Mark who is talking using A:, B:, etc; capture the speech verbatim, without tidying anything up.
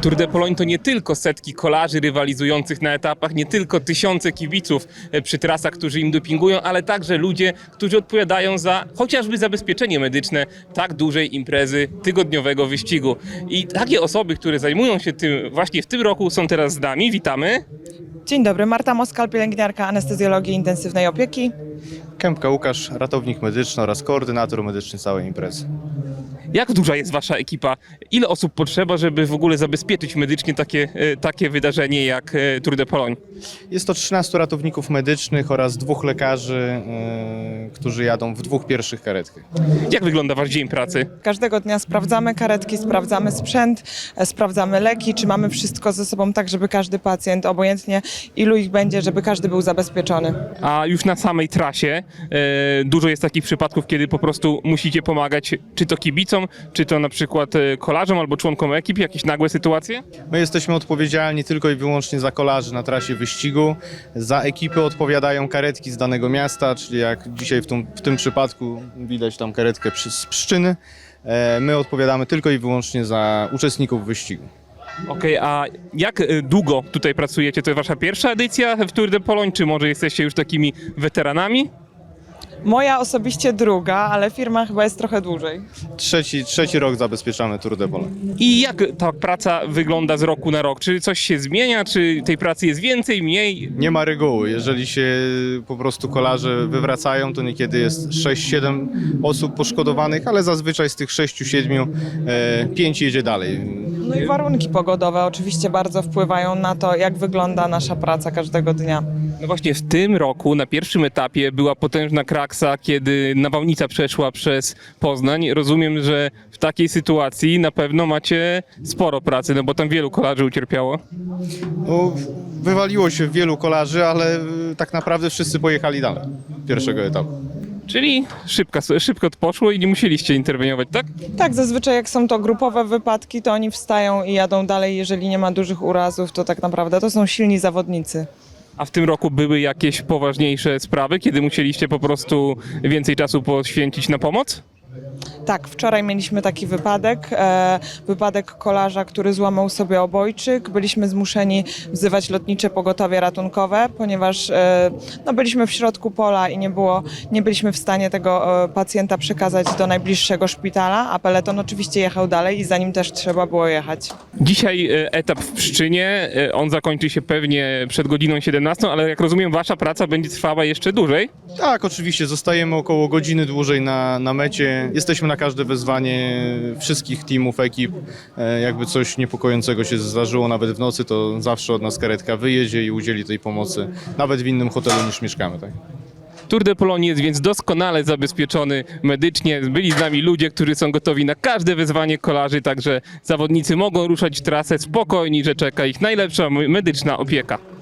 A: Tour de Pologne to nie tylko setki kolarzy rywalizujących na etapach, nie tylko tysiące kibiców przy trasach, którzy im dopingują, ale także ludzie, którzy odpowiadają za chociażby zabezpieczenie medyczne tak dużej imprezy tygodniowego wyścigu. I takie osoby, które zajmują się tym właśnie w tym roku, są teraz z nami. Witamy.
B: Dzień dobry, Marta Moskal, pielęgniarka anestezjologii intensywnej opieki.
C: Kępka Łukasz, ratownik medyczny oraz koordynator medyczny całej imprezy.
A: Jak duża jest wasza ekipa? Ile osób potrzeba, żeby w ogóle zabezpieczyć medycznie takie, takie wydarzenie jak Tour de Pologne?
C: Jest to trzynastu ratowników medycznych oraz dwóch lekarzy, yy, którzy jadą w dwóch pierwszych karetkach.
A: Jak wygląda wasz dzień pracy?
B: Każdego dnia sprawdzamy karetki, sprawdzamy sprzęt, e, sprawdzamy leki, czy mamy wszystko ze sobą tak, żeby każdy pacjent, obojętnie ilu ich będzie, żeby każdy był zabezpieczony.
A: A już na samej trasie e, dużo jest takich przypadków, kiedy po prostu musicie pomagać czy to kibicom, czy to na przykład e, kolarzom albo członkom ekip, jakieś nagłe sytuacje?
C: My jesteśmy odpowiedzialni tylko i wyłącznie za kolarzy na trasie wyścigu. Za ekipy odpowiadają karetki z danego miasta, czyli jak dzisiaj w tym, w tym przypadku widać tam karetkę przy, z Pszczyny. E, my odpowiadamy tylko i wyłącznie za uczestników wyścigu.
A: Okej, a jak e, długo tutaj pracujecie? To jest wasza pierwsza edycja w Tour de Pologne, czy może jesteście już takimi weteranami?
B: Moja osobiście druga, ale firma chyba jest trochę dłużej.
C: Trzeci, trzeci rok zabezpieczamy Tour de Pologne.
A: I jak ta praca wygląda z roku na rok? Czy coś się zmienia? Czy tej pracy jest więcej, mniej?
C: Nie ma reguły. Jeżeli się po prostu kolarze wywracają, to niekiedy jest sześć siedem osób poszkodowanych, ale zazwyczaj z tych sześciu siedmiu e, pięć jedzie dalej.
B: No i warunki pogodowe oczywiście bardzo wpływają na to, jak wygląda nasza praca każdego dnia.
A: No właśnie w tym roku na pierwszym etapie była potężna kraksa, kiedy nawałnica przeszła przez Poznań. Rozumiem, że w takiej sytuacji na pewno macie sporo pracy, no bo tam wielu kolarzy ucierpiało.
C: No, wywaliło się wielu kolarzy, ale e, tak naprawdę wszyscy pojechali dalej pierwszego etapu.
A: Czyli szybko, szybko to poszło i nie musieliście interweniować, tak?
B: Tak, zazwyczaj jak są to grupowe wypadki, to oni wstają i jadą dalej. Jeżeli nie ma dużych urazów, to tak naprawdę to są silni zawodnicy.
A: A w tym roku były jakieś poważniejsze sprawy, kiedy musieliście po prostu więcej czasu poświęcić na pomoc?
B: Tak, wczoraj mieliśmy taki wypadek, e, wypadek kolarza, który złamał sobie obojczyk. Byliśmy zmuszeni wzywać lotnicze pogotowie ratunkowe, ponieważ e, no, byliśmy w środku pola i nie, było, nie byliśmy w stanie tego e, pacjenta przekazać do najbliższego szpitala, a peleton oczywiście jechał dalej i za nim też trzeba było jechać.
A: Dzisiaj e, etap w Pszczynie, e, on zakończy się pewnie przed godziną siedemnastą, ale jak rozumiem wasza praca będzie trwała jeszcze dłużej.
C: Tak, oczywiście, zostajemy około godziny dłużej na, na mecie. Jesteśmy na każde wezwanie wszystkich teamów, ekip. E, jakby coś niepokojącego się zdarzyło nawet w nocy, to zawsze od nas karetka wyjedzie i udzieli tej pomocy, nawet w innym hotelu niż mieszkamy. Tak?
A: Tour de Pologne jest więc doskonale zabezpieczony medycznie. Byli z nami ludzie, którzy są gotowi na każde wyzwanie kolarzy, także zawodnicy mogą ruszać w trasę spokojni, że czeka ich najlepsza medyczna opieka.